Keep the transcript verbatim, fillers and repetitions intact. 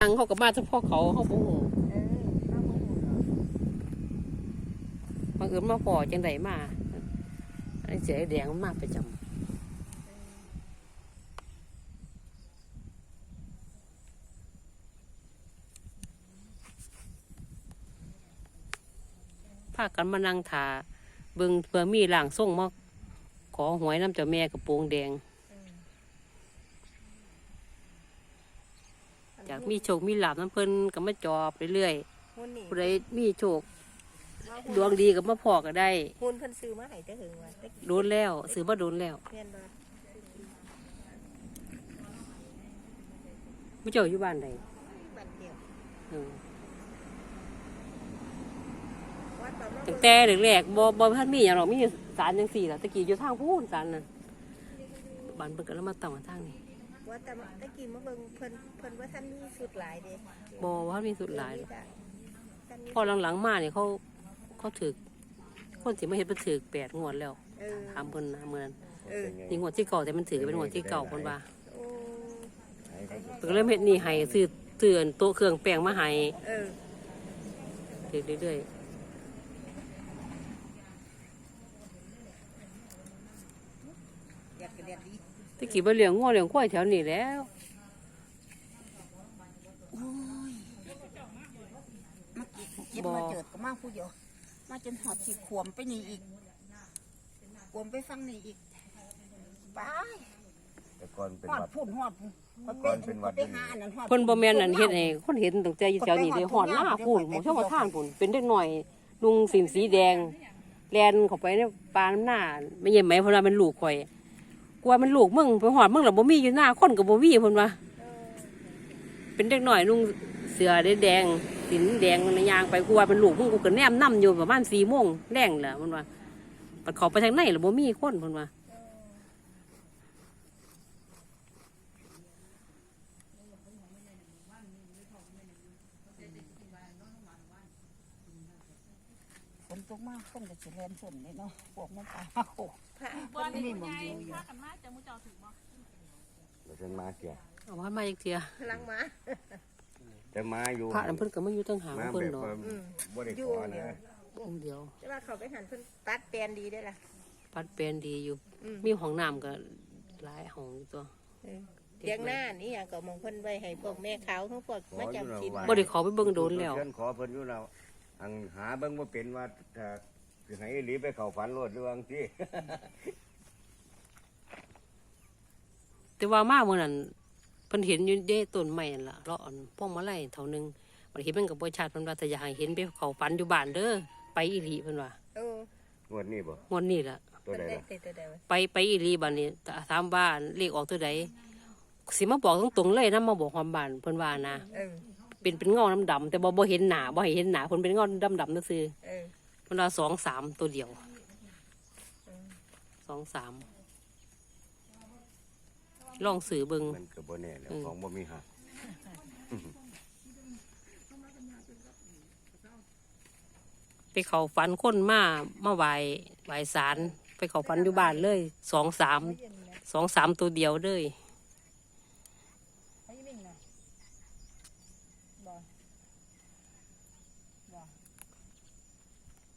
ทางเขากับมาเฉพาะเขาเขาโมโหมาเอิญมาพอจังไดมาไอ้เสียแดงมันมากประจำพากันมานั่งถาเบิ่งเพื่อมีหลังส่งมาขอหวยน้ำเจ้าแม่กับโปงแดงจากมีโชคมีลาภน้ำเพิ่นก็มาจอบเรื่อยๆผู้ใดมีโชคดวงดีกับมาพอก็ได้หุ่นเพิ่นซื้อมาให้แต่หึงว่าโดนแล้วซื้อมาโดนแล้วไม่เจ้าอยู่บ้านใดบ้านเดียวตั้งแต่แรกๆบ่บ่ทันมีหยังหรอกมีศาลจังซี่ล่ะตะกี้อยู่ทางพูนศาลน่ะบ้านเพิ่นก็เลยมาตั้งทางนี้ว่าแต่ตะกี้มาเบิ่งเพิ่นเพิ่นว่าท่านมีสุดหลายเด้บ่ว่ามีสุดหลายพอหลังๆมาเนี่ยเขาเขาถึกคนสิมาเฮ็ดเพิ่นถึกแปดงวดแล้วถามเพิ่นนะมื้อนั้นนี่งวดที่เก่าแต่มันถือเป็นงวดที่เก่าเพิ่นว่าเพิ่นก็เลยเฮ็ดนี่ให้ซื้อซื้อโต๊ะเครื่องแป้งมาให้เออเรื่อยๆตะกี้บ่เลี้ยงงัวเลี้ยงควายแถวนี้แล้วเจ็บมาเจิดก็มาผู้เดียวมาจนหอดสิขวมไปนี่อีกขวมไปฟังนี่อีกไปแต่ก่อนเป็นหอดวัดพุ่นหอดก่อนเป็นวัดไปหาอันนั้นหอดเพิ่นบ่แม่นอันเฮ็ดให้คนเห็นตั้งแต่อยู่แถวนี้ได้หอดหน้าพุ่นหมู่ช่องกระท่านพุ่นเป็นเด็กน้อยลุงสินสีแดงแล่นเข้าไปในป่าน้ำหน้าไม่ใช่ไหมเพิ่นว่าเป็นลูกข่อยกลัวมันลูกมึงไปหอดมึงแล้วบ่มีอยู่หน้าคนก็บ่มีเพิ่นว่าเป็นเด็กน้อยลุงเสือแดงสินแดงมันยางไปกลัวเป็นลูกมึงกูก็แนมนำอยู่ประมาณสี่โมงแรงแหละเพิ่นว่าปัดเขาไปทางไหนแล้วบ่มีคนเพิ่นว่าฝนตกมากคนก็สิแล่นฝนเลยเนาะพวกมันตาโคบ่ได้มีหมองอยู่อยู่กันมาจะมูเจ้าถึงบ่เราจะมาเกี่ยเอาว่ามาอีกเทียลังมาจะมาอยู่พระนั่นเพิ่นก็มาอยู่ตั้งหางเพิ่นเนาะบ่ได้ขอนะองค์เดียวแต่ว่าเขาไปหันเพิ่นตัดแปลนดีได้ล่ะปัดแปลนดีอยู่มีห้องน้ำก็หลายห้องอยู่ตัวเลี้ยงหน้านี่หยังก็มองเพิ่นไว้ให้พวกแม่ขาวทั้งพวกมาจำศีลบ่ได้ขอไปเบิ่งโดนแล้วขอเพิ่นอยู่แล้วอังหาเบิ่งบ่เป็นว่าถ้าสิให้หลีไปเข้าฝันโลดหรือว่าจังซี่แต่ว่ามาเมื่อนั้นเพิ่นเห็นอยู่เด้ต้นไม้นั่นล่ะเลาะอันพวกมะไล่เท่านึงมันเห็นมันก็บ่ชัดเพิ่นว่าถ้าอยากให้เห็นไปเข้าฝันอยู่บ้านเด้อไปอีหลีเพิ่นว่าเอองวดนี้บ่งวดนี้ล่ะตัวใดล่ะไปไปอีหลีบัดนี้ถามบ้านเลขออกตัวใดสิมาบอกตรงๆเลยนำมาบอกความบ้านเพิ่นว่านะเออเป็นเป็นเงาดำๆแต่บ่บ่เห็นหน้าบ่ให้เห็นหน้าเพิ่นเป็นเงาดำๆซื่อเออเพิ่นว่าสองสามตัวเดียวสองสามลองสื่อเบิ่งมันก็บ่แน่แล้วของบ่มีหักไปเข้าฝันคนมามาไหว้ไหว้ศาลไปเข้าฝันอยู่บ้านเลยสองสามสองสามตัวเดียวเลย